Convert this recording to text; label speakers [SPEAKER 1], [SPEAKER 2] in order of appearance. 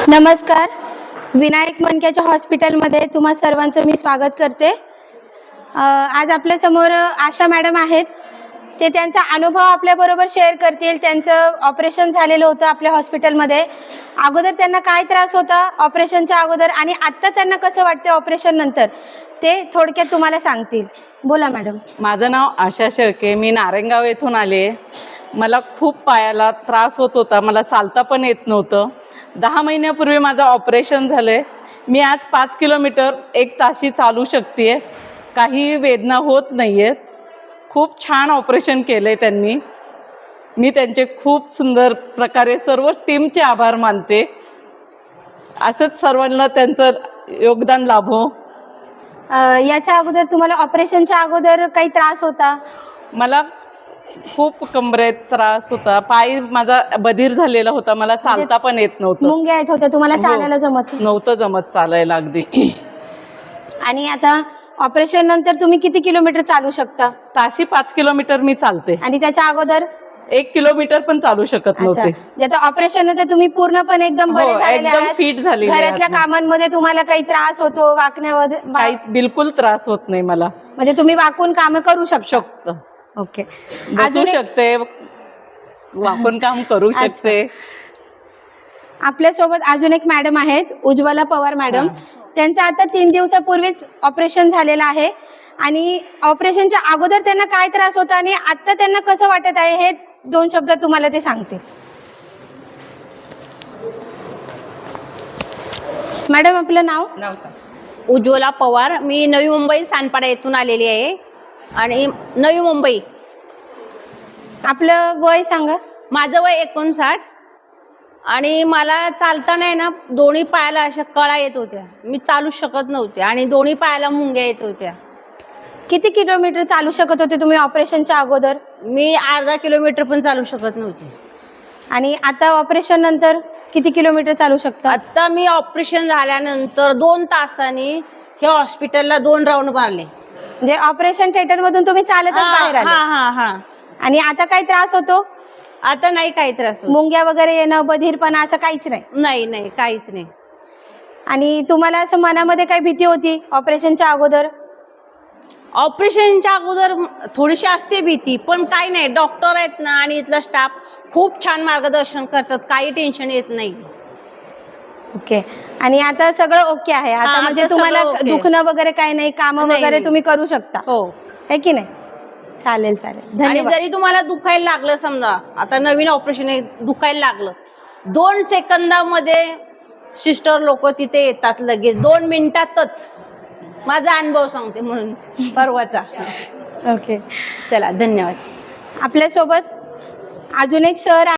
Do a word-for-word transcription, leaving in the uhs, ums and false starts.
[SPEAKER 1] नमस्कार. विनायक मनक्याच्या हॉस्पिटलमध्ये तुम्हा सर्वांचं मी स्वागत करते. आज आपल्या समोर आशा मॅडम आहेत. ते त्यांचा अनुभव आपल्याबरोबर शेअर करतील. त्यांचं ऑपरेशन झालेलं होतं आपल्या हॉस्पिटलमध्ये. अगोदर त्यांना काय त्रास होता ऑपरेशनच्या अगोदर आणि आत्ता त्यांना कसं वाटतं ऑपरेशन नंतर, ते थोडक्यात तुम्हाला सांगतील. बोला मॅडम.
[SPEAKER 2] माझं नाव आशा शेळके. मी नारायणगाव येथून आले. मला खूप पायाला त्रास होत होता. मला चालता पण येत नव्हतं. दहा महिन्यापूर्वी माझं ऑपरेशन झालं आहे. मी आज पाच किलोमीटर एक ताशी चालू शकते. काही वेदना होत नाही आहेत. खूप छान ऑपरेशन केलं आहे त्यांनी. मी त्यांचे खूप सुंदर प्रकारे सर्व टीमचे आभार मानते. असंच सर्वांना त्यांचं योगदान लाभो.
[SPEAKER 1] याच्या अगोदर तुम्हाला ऑपरेशनच्या अगोदर काही त्रास होता?
[SPEAKER 2] मला खूप कंबरेत त्रास होता. पाय माझा बधीर झालेला होता. मला चालता पण येत नव्हतं.
[SPEAKER 1] मुंग्या येत होत्या तुम्हाला, चालायला जमत
[SPEAKER 2] नव्हतं जमत चालायला अगदी.
[SPEAKER 1] आणि आता ऑपरेशन नंतर तुम्ही किती किलोमीटर चालू शकता?
[SPEAKER 2] ताशी पाच किलोमीटर मी चालते.
[SPEAKER 1] आणि त्याच्या अगोदर
[SPEAKER 2] एक किलोमीटर पण चालू शकत नव्हते.
[SPEAKER 1] आता ऑपरेशन नंतर तुम्ही पूर्णपणे एकदम बरे झालेले
[SPEAKER 2] एकदम
[SPEAKER 1] आहात.
[SPEAKER 2] फिट झाली.
[SPEAKER 1] घरातल्या कामांमध्ये तुम्हाला काही त्रास होतो वाकण्यामध्ये?
[SPEAKER 2] काही बिलकुल त्रास होत नाही मला.
[SPEAKER 1] म्हणजे तुम्ही वाकून काम करू शकता? ओके.
[SPEAKER 2] बसू शकते, वाकून काम करू शकते.
[SPEAKER 1] आपल्या सोबत अजून एक मॅडम आहेत, उज्ज्वला पवार मॅडम. त्यांचं आता तीन दिवसापूर्वीच ऑपरेशन झालेलं आहे. आणि ऑपरेशनच्या अगोदर त्यांना काय त्रास होता आणि आता त्यांना कसं वाटत आहे हे दोन शब्द तुम्हाला ते सांगतील. मॅडम आपलं नाव?
[SPEAKER 2] नाव
[SPEAKER 3] उज्ज्वला पवार. मी नवी मुंबई सानपाडा येथून आलेली आहे. आणि नवी मुंबई.
[SPEAKER 1] आपलं वय सांगा.
[SPEAKER 3] माझं वय एकोणसाठ. आणि मला चालताना आहे ना दोन्ही पायाला अशा कळा येत होत्या. मी चालू शकत नव्हते आणि दोन्ही पायाला मुंग्या येत होत्या.
[SPEAKER 1] किती किलोमीटर चालू शकत होते तुम्ही ऑपरेशनच्या अगोदर?
[SPEAKER 3] मी अर्धा किलोमीटर पण चालू शकत नव्हते.
[SPEAKER 1] आणि आता ऑपरेशन नंतर किती किलोमीटर चालू शकता?
[SPEAKER 3] आता मी ऑपरेशन झाल्यानंतर दोन तासांनी हे हॉस्पिटलला दोन राऊंड मारले.
[SPEAKER 1] म्हणजे ऑपरेशन थिएटर मधून तुम्ही चालतच बाहेर आले?
[SPEAKER 3] हा हा हा.
[SPEAKER 1] आणि आता काय त्रास होतो?
[SPEAKER 3] आता नाही काही त्रास होत.
[SPEAKER 1] मुंग्या वगैरे येणं, बधीरपणा असं काहीच नाही?
[SPEAKER 3] नाही नाही काहीच नाही.
[SPEAKER 1] आणि तुम्हाला असं मनामध्ये काही भीती होती ऑपरेशनच्या अगोदर?
[SPEAKER 3] ऑपरेशनच्या अगोदर थोडीशी असते भीती, पण काही नाही. डॉक्टर आहेत ना आणि इथला स्टाफ खूप छान मार्गदर्शन करतात. काही टेन्शन येत नाही.
[SPEAKER 1] ओके. आणि आता सगळं ओके आहे आता?
[SPEAKER 3] हा,
[SPEAKER 1] म्हणजे
[SPEAKER 3] आता
[SPEAKER 1] तुम्हाला
[SPEAKER 3] सगळं ओके.
[SPEAKER 1] दुखणं वगैरे काही नाही, काम
[SPEAKER 3] नाही,
[SPEAKER 1] वगैरे
[SPEAKER 3] नाही.
[SPEAKER 1] तुम्ही करू शकता?
[SPEAKER 3] हो.
[SPEAKER 1] है की नाही? चालेल चालेल,
[SPEAKER 3] आणि
[SPEAKER 1] धन्यवाद.
[SPEAKER 3] जरी तुम्हाला दुखायला लागलं, समजा आता नवीन ऑपरेशन आहे, दुखायला लागलं, दोन सेकंदामध्ये सिस्टर लोक तिथे येतात लगेच, दोन मिनिटातच. माझा अनुभव सांगते म्हणून परवाचा.
[SPEAKER 1] ओके.
[SPEAKER 3] चला धन्यवाद.
[SPEAKER 1] आपल्यासोबत अजून एक सर